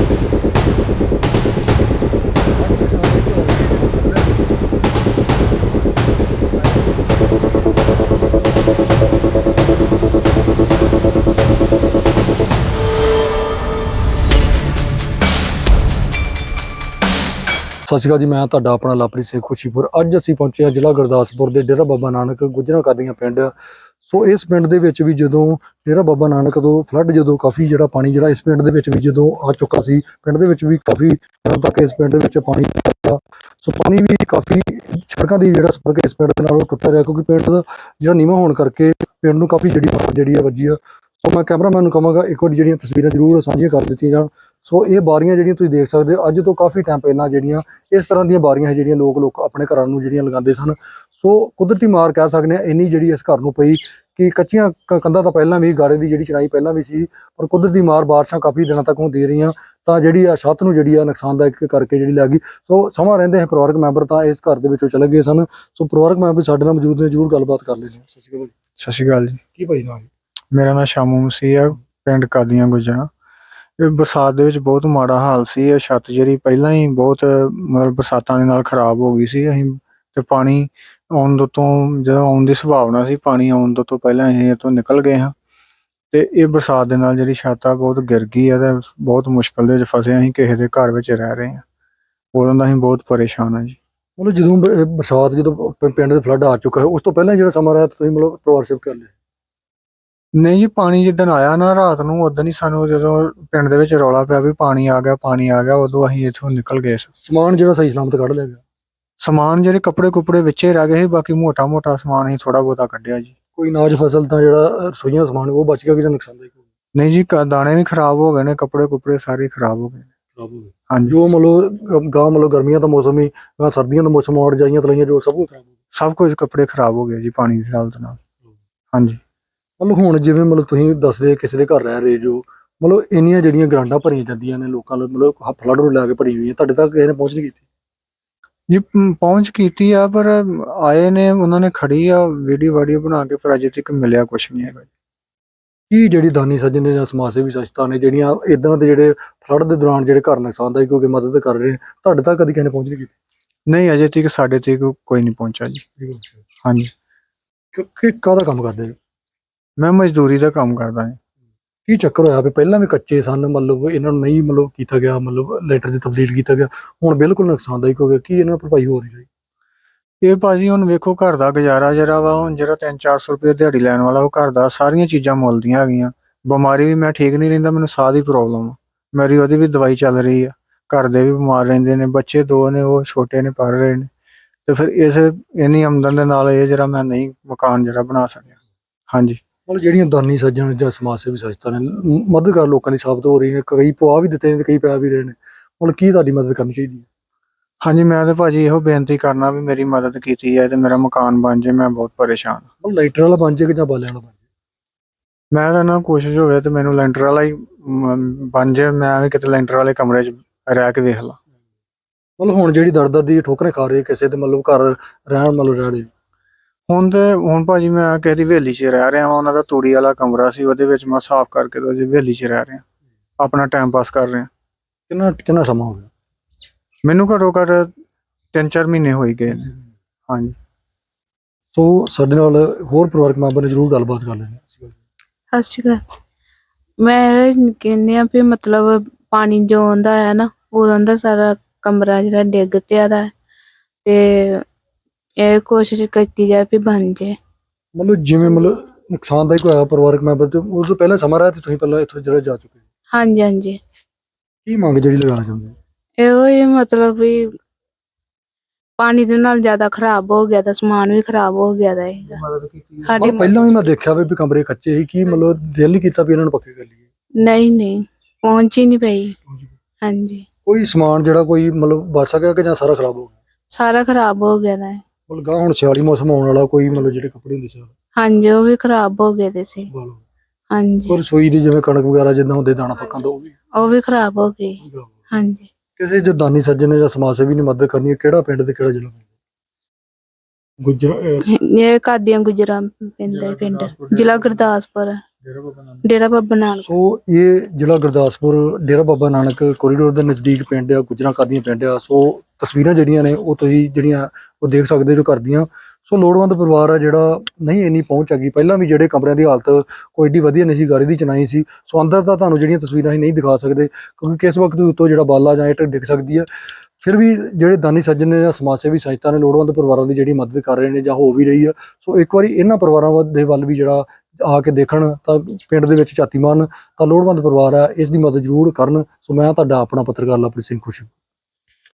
ਸਤਿ ਸ਼੍ਰੀ ਅਕਾਲ ਜੀ, ਮੈਂ ਤੁਹਾਡਾ ਆਪਣਾ ਲਵਪ੍ਰੀਤ ਸਿੰਘ ਖੁਸ਼ੀਪੁਰ। ਅੱਜ ਅਸੀਂ ਪਹੁੰਚੇ ਹਾਂ ਜ਼ਿਲ੍ਹਾ ਗੁਰਦਾਸਪੁਰ ਦੇ ਡੇਰਾ ਬਾਬਾ ਨਾਨਕ ਗੁੱਜਰਾਂ ਕਾਦੀਆਂ ਪਿੰਡ। ਸੋ ਇਸ ਪਿੰਡ ਦੇ ਵਿੱਚ ਵੀ ਜਦੋਂ ਡੇਰਾ ਬਾਬਾ ਨਾਨਕ ਤੋਂ ਫਲੱਡ ਜਦੋਂ ਕਾਫੀ ਜਿਹੜਾ ਪਾਣੀ ਜਿਹੜਾ ਇਸ ਪਿੰਡ ਦੇ ਵਿੱਚ ਵੀ ਜਦੋਂ ਆ ਚੁੱਕਾ ਸੀ, ਪਿੰਡ ਦੇ ਵਿੱਚ ਵੀ ਕਾਫੀ ਦਿਨਾਂ ਤੱਕ ਇਸ ਪਿੰਡ ਦੇ ਵਿੱਚ ਪਾਣੀ ਆਇਆ। ਸੋ ਪਾਣੀ ਵੀ ਕਾਫੀ ਸੜਕਾਂ ਦੀ ਜਿਹੜਾ ਸੰਪਰਕ ਇਸ ਪਿੰਡ ਦੇ ਨਾਲ ਉਹ ਟੁੱਟਿਆ ਰਿਹਾ, ਕਿਉਂਕਿ ਪਿੰਡ ਦਾ ਜਿਹੜਾ ਨੀਵਾਂ ਹੋਣ ਕਰਕੇ ਪਿੰਡ ਨੂੰ ਕਾਫੀ ਜਿਹੜੀ ਆ ਵੱਜੀ ਆ। ਸੋ ਮੈਂ ਕੈਮਰਾਮੈਨ ਨੂੰ ਕਹਾਂਗਾ ਇੱਕ ਵਾਰੀ ਜਿਹੜੀਆਂ ਤਸਵੀਰਾਂ ਜ਼ਰੂਰ ਸਾਂਝੀਆਂ ਕਰ ਦਿੱਤੀਆਂ ਜਾਣ। ਸੋ ਇਹ ਬਾਰੀਆਂ ਜਿਹੜੀਆਂ ਤੁਸੀਂ ਦੇਖ ਸਕਦੇ ਹੋ, ਅੱਜ ਤੋਂ ਕਾਫੀ ਟਾਈਮ ਪਹਿਲਾਂ ਜਿਹੜੀਆਂ ਇਸ ਤਰ੍ਹਾਂ ਦੀਆਂ ਬਾਰੀਆਂ ਜਿਹੜੀਆਂ ਲੋਕ ਆਪਣੇ ਘਰਾਂ ਨੂੰ ਜਿਹੜੀਆਂ ਲਗਾਉਂਦੇ ਸਨ। ਸੋ ਕੁਦਰਤੀ ਮਾਰ ਕਹਿ ਸਕਦੇ ਹਾਂ ਇੰਨੀ ਜਿਹੜੀ ਇਸ ਘਰ ਨੂੰ ਪਈ ਕਿ ਕੱਚੀਆਂ ਕੰਧਾਂ ਤਾਂ ਪਹਿਲਾਂ ਵੀ, ਗਾਰੇ ਦੀ ਜਿਹੜੀ ਚਿਣਾਈ ਪਹਿਲਾਂ ਵੀ ਸੀ, ਪਰ ਕੁਦਰਤੀ ਮਾਰ ਬਾਰਿਸ਼ਾਂ ਕਾਫੀ ਦਿਨਾਂ ਤੱਕ ਹੁੰਦੀ ਰਹੀਆਂ ਤਾਂ ਜਿਹੜੀ ਆ ਛੱਤ ਨੂੰ ਜਿਹੜੀ ਆ ਨੁਕਸਾਨਦਾਇਕ ਕਰਕੇ ਜਿਹੜੀ ਲੱਗ ਗਈ। ਸੋ ਸਮਾਂ ਰਹਿੰਦੇ ਹੈ ਪਰਿਵਾਰਕ ਮੈਂਬਰ ਤਾਂ ਇਸ ਘਰ ਦੇ ਵਿੱਚੋਂ ਚਲੇ ਗਏ ਸਨ। ਸੋ ਪਰਿਵਾਰਕ ਮੈਂਬਰ ਸਾਡੇ ਨਾਲ ਮੌਜੂਦ ਨੇ, ਜ਼ਰੂਰ ਗੱਲਬਾਤ ਕਰ ਲੈਂਦੇ ਹਾਂ। ਸਤਿ ਸ਼੍ਰੀ ਅਕਾਲ। ਸਤਿ ਸ਼੍ਰੀ ਅਕਾਲ ਜੀ। ਕੀ ਭਾਈ ਨਾਮ? ਮੇਰਾ ਨਾਮ ਸ਼ਾਮੂ ਮਸੀਹ ਆ, ਪਿੰਡ ਕਾਦੀਆਂ ਗੁੱਜਰਾਂ। ਇਹ ਬਰਸਾਤ ਦੇ ਵਿੱਚ ਬਹੁਤ ਮਾੜਾ ਹਾਲ ਸੀ। ਇਹ ਛੱਤ ਜਿਹੜੀ ਪਹਿਲਾਂ ਹੀ ਬਹੁਤ ਮਤਲਬ ਬਰਸਾਤਾਂ ਦੇ ਨਾਲ ਖਰਾਬ ਹੋ ਗਈ ਸੀ। ਅਸੀਂ ਤੇ ਪਾਣੀ ਆਉਣ ਤੋਂ ਜਦੋਂ ਆਉਣ ਦੀ ਸੰਭਾਵਨਾ ਸੀ, ਪਾਣੀ ਆਉਣ ਤੋਂ ਪਹਿਲਾਂ ਅਸੀਂ ਇਹ ਤੋਂ ਨਿਕਲ ਗਏ ਹਾਂ। ਤੇ ਇਹ ਬਰਸਾਤ ਦੇ ਨਾਲ ਜਿਹੜੀ ਛੱਤ ਆ ਬਹੁਤ ਗਿਰ ਗਈ ਆ ਤੇ ਬਹੁਤ ਮੁਸ਼ਕਲ ਦੇ ਵਿੱਚ ਫਸੇ। ਅਸੀਂ ਕਿਸੇ ਦੇ ਘਰ ਵਿੱਚ ਰਹਿ ਰਹੇ ਹਾਂ, ਉਦੋਂ ਦਾ ਅਸੀਂ ਬਹੁਤ ਪਰੇਸ਼ਾਨ ਹਾਂ ਜੀ। ਮਤਲਬ ਜਦੋਂ ਬਰਸਾਤ ਜਦੋਂ ਪਿੰਡ ਦੇ ਫਲੱਡ ਆ ਚੁੱਕਾ ਹੈ, ਉਸ ਤੋਂ ਪਹਿਲਾਂ ਜਿਹੜਾ ਸਮਾਂ ਰਿਹਾ ਤੁਸੀਂ ਮਤਲਬ ਪਰਿਵਾਰ ਸੇਵ ਕਰ ਲਿਆ? ਨਹੀਂ ਜੀ, ਪਾਣੀ ਜਿੱਦਣ ਆਇਆ ਨਾ ਰਾਤ ਨੂੰ, ਉਦੋਂ ਹੀ ਸਾਨੂੰ ਜਦੋਂ ਪਿੰਡ ਦੇ ਵਿੱਚ ਰੌਲਾ ਪਿਆ ਵੀ ਪਾਣੀ ਆ ਗਿਆ, ਉਦੋਂ ਅਸੀਂ ਇੱਥੋਂ ਨਿਕਲ ਗਏ। ਸਮਾਨ ਜਿਹੜਾ ਸਹੀ ਸਲਾਮਤ ਕੱਢ ਲਿਆ ਗਿਆ? ਸਮਾਨ ਜਿਹੜੇ ਕੱਪੜੇ ਵਿੱਚੇ ਰਹਿ ਗਏ ਸੀ, ਬਾਕੀ ਮੋਟਾ ਸਮਾਨ ਅਸੀਂ ਥੋੜਾ ਬਹੁਤਾ ਕੱਢਿਆ ਜੀ। ਕੋਈ ਅਨਾਜ ਫਸਲ ਤਾਂ ਜਿਹੜਾ ਰਸੋਈਆਂ ਦਾ ਸਮਾਨ ਉਹ ਬਚ ਗਿਆ ਕਿ ਜਾਂ ਨੁਕਸਾਨਦਾਇਕ ਹੋ ਗਿਆ? ਨਹੀਂ ਜੀ, ਦਾਣੇ ਵੀ ਖਰਾਬ ਹੋ ਗਏ ਨੇ, ਕੱਪੜੇ ਸਾਰੇ ਖਰਾਬ ਹੋ ਗਏ। ਹਾਂਜੀ, ਜੋ ਮਤਲਬ ਮਤਲਬ ਗਰਮੀਆਂ ਦਾ ਮੌਸਮ ਹੀ, ਸਰਦੀਆਂ ਦਾ ਮੌਸਮ, ਔਰ ਜਾਈਆਂ ਤਲਾਈਆਂ ਜੋ ਸਭ ਕੁਝ ਖਰਾਬ ਹੋ ਗਿਆ। ਸਭ ਕੁਝ ਕੱਪੜੇ ਖਰਾਬ ਹੋ ਗਏ ਜੀ ਪਾਣੀ ਦੀ ਹਾਲਤ ਨਾਲ। ਹਾਂਜੀ, ਮਤਲਬ ਹੁਣ ਜਿਵੇਂ ਮਤਲਬ ਤੁਸੀਂ ਦੱਸਦੇ ਕਿਸੇ ਦੇ ਘਰ ਰਹਿ ਰਹੇ ਜੋ, ਮਤਲਬ ਇੰਨੀਆਂ ਜਿਹੜੀਆਂ ਗਰਾਂਡਾਂ ਭਰੀਆਂ ਜਾਂਦੀਆਂ ਨੇ ਲੋਕਾਂ ਨੂੰ, ਮਤਲਬ ਫਲੱਡ ਨੂੰ ਲੈ ਕੇ ਭਰੀ ਹੋਈਆਂ, ਤੁਹਾਡੇ ਤੱਕ ਕਿਸੇ ਨੇ ਪਹੁੰਚ ਨਹੀਂ ਕੀਤੀ? ਜੀ ਪਹੁੰਚ ਕੀਤੀ ਆ, ਪਰ ਆਏ ਨੇ, ਉਹਨਾਂ ਨੇ ਖੜੀ ਆ ਵੀਡੀਓ ਬਣਾ ਕੇ, ਪਰ ਅਜੇ ਤੱਕ ਮਿਲਿਆ ਕੁਛ ਨਹੀਂ ਹੈਗਾ। ਕੀ ਜਿਹੜੀ ਦਾਨੀ ਸੱਜਣ ਨੇ ਜਾਂ ਸਮਾਜ ਸੇਵੀ ਸੰਸਥਾ ਨੇ ਜਿਹੜੀਆਂ ਇਦਾਂ ਦੇ ਜਿਹੜੇ ਫਲੱਡ ਦੇ ਦੌਰਾਨ ਜਿਹੜੇ ਘਰ ਨੁਕਸਾਨਦਾਇਕ ਹੋ ਕੇ ਮਦਦ ਕਰ ਰਹੇ ਨੇ, ਤੁਹਾਡੇ ਤੱਕ ਕਦੀ ਕਿਸੇ ਨੇ ਪਹੁੰਚ ਨਹੀਂ ਕੀਤੀ? ਨਹੀਂ, ਅਜੇ ਤੱਕ ਸਾਡੇ ਤੱਕ ਕੋਈ ਨਹੀਂ ਪਹੁੰਚਾ ਜੀ। ਹਾਂਜੀ। ਕਾਹਦਾ ਕੰਮ ਕਰਦੇ? ਮੈਂ ਮਜ਼ਦੂਰੀ ਦਾ ਕੰਮ ਕਰਦਾ ਹਾਂ। ਕੀ ਚੱਕਰ ਹੋਇਆ ਵੀ ਪਹਿਲਾਂ ਵੀ ਕੱਚੇ ਸਨ, ਮਤਲਬ ਇਹਨਾਂ ਨੂੰ ਨਹੀਂ ਮਤਲਬ ਕੀਤਾ ਗਿਆ, ਮਤਲਬ ਲੈਟਰ ਦੀ ਤਬਦੀਲ ਕੀਤਾ ਗਿਆ, ਹੁਣ ਬਿਲਕੁਲ ਨੁਕਸਾਨਦਾਇਕ ਹੋ ਗਿਆ, ਕੀ ਇਹਨਾਂ ਭਰਪਾਈ ਹੋ ਰਹੀ? ਇਹ ਭਾਜੀ ਹੁਣ ਵੇਖੋ, ਘਰ ਦਾ ਗੁਜ਼ਾਰਾ ਜਿਹੜਾ ਵਾ, ਹੁਣ ਜਿਹੜਾ 300-400 ਰੁਪਏ ਦਿਹਾੜੀ ਲੈਣ ਵਾਲਾ, ਉਹ ਘਰ ਦਾ ਸਾਰੀਆਂ ਚੀਜ਼ਾਂ ਮੁੱਲ ਦੀਆਂ ਹੈਗੀਆਂ। ਬਿਮਾਰੀ ਵੀ ਮੈਂ ਠੀਕ ਨਹੀਂ ਰਹਿੰਦਾ, ਮੈਨੂੰ ਸਾਹ ਦੀ ਪ੍ਰੋਬਲਮ ਆ, ਮੇਰੀ ਉਹਦੀ ਵੀ ਦਵਾਈ ਚੱਲ ਰਹੀ ਆ। ਘਰ ਦੇ ਵੀ ਬਿਮਾਰ ਰਹਿੰਦੇ ਨੇ, ਬੱਚੇ 2 ਨੇ, ਉਹ ਛੋਟੇ ਨੇ, ਪੜ੍ਹ ਰਹੇ ਨੇ। ਤੇ ਫਿਰ ਇੰਨੀ ਆਮਦਨ ਦੇ ਨਾਲ ਇਹ ਜਿਹੜਾ ਮੈਂ ਨਹੀਂ ਮਕਾਨ ਜਿਹੜਾ ਬਣਾ ਸਕਿਆ। ਹਾਂਜੀ। ਮਤਲਬ ਜਿਹੜੀਆਂ ਦਾਨੀ ਸੱਜਣ ਜਾਂ ਸਮਾਜ ਸੇਵੀ ਸੰਸਥਾ ਨੇ ਮਦਦਗਾਰ ਲੋਕਾਂ ਦੀ ਸਾਬਤ ਹੋ ਰਹੀ ਨੇ, ਕਈ ਪਵਾ ਵੀ ਦਿੱਤੇ ਨੇ ਤੇ ਕਈ ਪੈ ਵੀ ਰਹੇ ਨੇ, ਮਤਲਬ ਕੀ ਤੁਹਾਡੀ ਮਦਦ ਕਰਨੀ ਚਾਹੀਦੀ ਹੈ? ਹਾਂਜੀ, ਮੈਂ ਤਾਂ ਭਾਜੀ ਇਹੋ ਬੇਨਤੀ ਕਰਨਾ ਵੀ ਮੇਰੀ ਮਦਦ ਕੀਤੀ ਜਾਏ ਤੇ ਮੇਰਾ ਮਕਾਨ ਬਣ ਜਾਏ। ਮੈਂ ਬਹੁਤ ਪਰੇਸ਼ਾਨ ਹਾਂ। ਮਤਲਬ ਲਾਈਟਰ ਵਾਲਾ ਬਣ ਜਾਏ ਕਿ ਜਾਂ ਬਾਲਿਆਂ ਵਾਲਾ ਬਣ ਜਾਏ? ਮੈਂ ਤਾਂ ਨਾ ਕੋਸ਼ਿਸ਼ ਹੋਵੇ ਤੇ ਮੈਨੂੰ ਲੈਂਟਰ ਵਾਲਾ ਹੀ ਬਣ ਜਾਏ, ਮੈਂ ਵੀ ਕਿਤੇ ਲੈਂਟਰ ਵਾਲੇ ਕਮਰੇ 'ਚ ਰਹਿ ਕੇ ਵੇਖ ਲਾਂ। ਮਤਲਬ ਹੁਣ ਜਿਹੜੀ ਦਰ ਦੀ ਠੋਕਰੇ ਖਾ ਰਹੀ ਕਿਸੇ ਤੇ ਮਤਲਬ ਘਰ ਰਹਿ ਰਹੇ? ਹੁਣ ਭਾਜੀ ਮੈਂ ਕਿਸੇ ਦੀ ਹਵੇਲੀ 'ਚ ਰਹਿ ਰਿਹਾ ਵਾਂ। ਉਹਨਾਂ ਦਾ ਤੂੜੀ ਵਾਲਾ ਕਮਰਾ ਸੀ, ਉਹਦੇ ਵਿੱਚ ਮੈਂ ਸਾਫ਼ ਕਰਕੇ ਤੇ ਉਹਦੀ ਹਵੇਲੀ 'ਚ ਰਹਿ ਰਿਹਾ, ਆਪਣਾ ਟਾਈਮ ਪਾਸ ਕਰ ਰਿਹਾ। ਕਿੰਨਾ ਸਮਾਂ ਹੋ ਗਿਆ? ਮੈਨੂੰ ਘੱਟੋ ਘੱਟ 3-4 ਮਹੀਨੇ ਹੋਈ ਗਏ ਨੇ। ਹਾਂਜੀ। ਸੋ ਸਾਡੇ ਨਾਲ ਹੋਰ ਪਰਿਵਾਰਕ ਮੈਂਬਰ ਨੇ, ਜ਼ਰੂਰ ਗੱਲਬਾਤ ਕਰ ਲੈਣੀ। ਸਤਿ ਸ਼੍ਰੀ ਅਕਾਲ। ਮੈਂ ਕਹਿੰਦੀ ਆ ਵੀ ਮਤਲਬ ਪਾਣੀ ਜੋ ਆਉਂਦਾ ਹੈ ਨਾ, ਉਦੋਂ ਦਾ ਸਾਰਾ ਕਮਰਾ ਜਿਹੜਾ ਡਿੱਗ ਪਿਆ ਦਾ, ਤੇ ਇਹ ਕੋਸ਼ਿਸ਼ ਕੀਤੀ ਜਾਏ ਵੀ ਬਣ ਜਾਏ। ਮਤਲਬ ਜਿਵੇਂ ਮਤਲਬ ਨੁਕਸਾਨਦਾਇਕ ਹੋਇਆ ਪਰਿਵਾਰਕ ਮੈਂਬਰ ਤੇ ਉਸ ਤੋਂ ਪਹਿਲਾਂ ਸਮਾਂ ਰਿਹਾ ਤੇ ਤੁਸੀਂ ਪਹਿਲਾਂ ਇੱਥੋਂ ਜਿਹੜਾ ਜਾ ਚੁੱਕੇ? ਹਾਂਜੀ। ਕੀ ਮੰਗ ਜਿਹੜੀ ਲਗਾਉਣਾ ਚਾਹੁੰਦੇ? ਇਹੋ ਹੀ ਮਤਲਬ ਵੀ ਪਾਣੀ ਦੇ ਨਾਲ ਜ਼ਿਆਦਾ ਖਰਾਬ ਹੋ ਗਿਆ ਤਾਂ ਸਮਾਨ ਵੀ ਖਰਾਬ ਹੋ ਗਿਆ ਦਾ ਹੈਗਾ। ਸਾਡੇ ਪਹਿਲਾਂ ਵੀ ਮੈਂ ਦੇਖਿਆ ਵੀ ਕਮਰੇ ਕੱਚੇ ਸੀ, ਕੀ ਮਤਲਬ ਦਿਲ ਨਹੀਂ ਕੀਤਾ ਵੀ ਇਹਨਾਂ ਨੂੰ ਪੱਕੇ ਕਰ ਲਈਏ? ਨਹੀਂ, ਪਹੁੰਚ ਹੀ ਨਹੀਂ ਪਈ। ਹਾਂਜੀ। ਕੋਈ ਸਮਾਨ ਜਿਹੜਾ ਕੋਈ ਮਤਲਬ ਬਚ ਸਕਿਆ ਕਿ ਜਾਂ ਸਾਰਾ ਖਰਾਬ ਹੋ ਗਿਆ? ਸਾਰਾ ਖਰਾਬ ਹੋ ਗਿਆ ਦਾ ਹੈ। ਮਤਲਬ ਹੁਣ ਸਿਆਲੀ ਮੌਸਮ ਆਉਣ ਵਾਲਾ, ਕੋਈ ਮਤਲਬ ਜਿਹੜੇ ਕੱਪੜੇ ਹੁੰਦੇ ਸੀ? ਹਾਂਜੀ, ਉਹ ਵੀ ਖਰਾਬ ਹੋ ਗਏ ਦੇ ਸੀ। ਹਾਂਜੀ। ਔਰ ਰਸੋਈ ਦੀ ਜਿਵੇਂ ਕਣਕ ਵਗੈਰਾ ਜਿੱਦਾਂ ਹੁੰਦੇ ਦਾਣਾ ਪੱਕਾਂ ਦਾ, ਉਹ ਵੀ ਖਰਾਬ ਹੋ ਗਈ। ਹਾਂਜੀ। ਕਿਸੇ ਜੇ ਦਾਨੀ ਸੱਜਣ ਨੇ ਜਾਂ ਸਮਾਜ ਸੇਵੀ ਨੇ ਮਦਦ ਕਰਨੀ ਹੈ, ਕਿਹੜਾ ਪਿੰਡ ਤੇ ਕਿਹੜਾ ਜ਼ਿਲ੍ਹਾ? ਇਹ ਕਾਦੀਆਂ ਗੁੱਜਰਾਂ ਪਿੰਡ ਜ਼ਿਲ੍ਹਾ ਗੁਰਦਾਸਪੁਰ। ਡੇਰਾ ਬਾਬਾ ਨਾਨਕ। ਸੋ ਇਹ ਜ਼ਿਲ੍ਹਾ ਗੁਰਦਾਸਪੁਰ ਡੇਰਾ ਬਾਬਾ ਨਾਨਕ ਕੋਰੀਡੋਰ ਦੇ ਨਜ਼ਦੀਕ ਪਿੰਡ ਆ, ਗੁੱਜਰਾਂ ਕਾਦੀਆਂ ਪਿੰਡ ਆ। ਸੋ ਤਸਵੀਰਾਂ ਜਿਹੜੀਆਂ ਨੇ ਉਹ ਤੁਸੀਂ ਜਿਹੜੀਆਂ ਉਹ ਦੇਖ ਸਕਦੇ ਜੋ ਕਰਦੀਆਂ। ਸੋ ਲੋੜਵੰਦ ਪਰਿਵਾਰ ਆ ਜਿਹੜਾ ਨਹੀਂ ਇੰਨੀ ਪਹੁੰਚ ਹੈਗੀ। ਪਹਿਲਾਂ ਵੀ ਜਿਹੜੇ ਕਮਰਿਆਂ ਦੀ ਹਾਲਤ ਕੋਈ ਏਡੀ ਵਧੀਆ ਨਹੀਂ ਸੀ, ਗਾਰੇ ਦੀ ਚਨਾਈ ਸੀ। ਸੋ ਅੰਦਰ ਤਾਂ ਤੁਹਾਨੂੰ ਜਿਹੜੀਆਂ ਤਸਵੀਰਾਂ ਅਸੀਂ ਨਹੀਂ ਦਿਖਾ ਸਕਦੇ ਕਿਉਂਕਿ ਕਿਸ ਵਕਤ ਉੱਤੋਂ ਜਿਹੜਾ ਬਾਲਾ ਜਾਂ ਇੱਟ ਡਿੱਗ ਸਕਦੀ ਹੈ। ਫਿਰ ਵੀ ਜਿਹੜੇ ਦਾਨੀ ਸੱਜਣ ਨੇ ਜਾਂ ਸਮਾਜ ਸੇਵੀ ਸੰਸਥਾ ਨੇ ਲੋੜਵੰਦ ਪਰਿਵਾਰਾਂ ਦੀ ਜਿਹੜੀ ਮਦਦ ਕਰ ਰਹੇ ਨੇ ਜਾਂ ਹੋ ਵੀ ਰਹੀ ਆ। ਸੋ ਇੱਕ ਵਾਰੀ ਇਹਨਾਂ ਪਰਿਵਾਰਾਂ ਦੇ ਵੱਲ ਵੀ ਜਿਹੜਾ ਆ ਕੇ ਦੇਖਣ ਤਾਂ ਪਿੰਡ ਦੇ ਵਿੱਚ ਝਾਤੀ ਮਾਰਨ ਤਾਂ ਲੋੜਵੰਦ ਪਰਿਵਾਰ ਆ, ਇਸ ਦੀ ਮਦਦ ਜ਼ਰੂਰ ਕਰਨ। ਸੋ ਮੈਂ ਤੁਹਾਡਾ ਆਪਣਾ ਪੱਤਰਕਾਰ ਲਵਪ੍ਰੀਤ ਸਿੰਘ ਖੁਸ਼ੀ।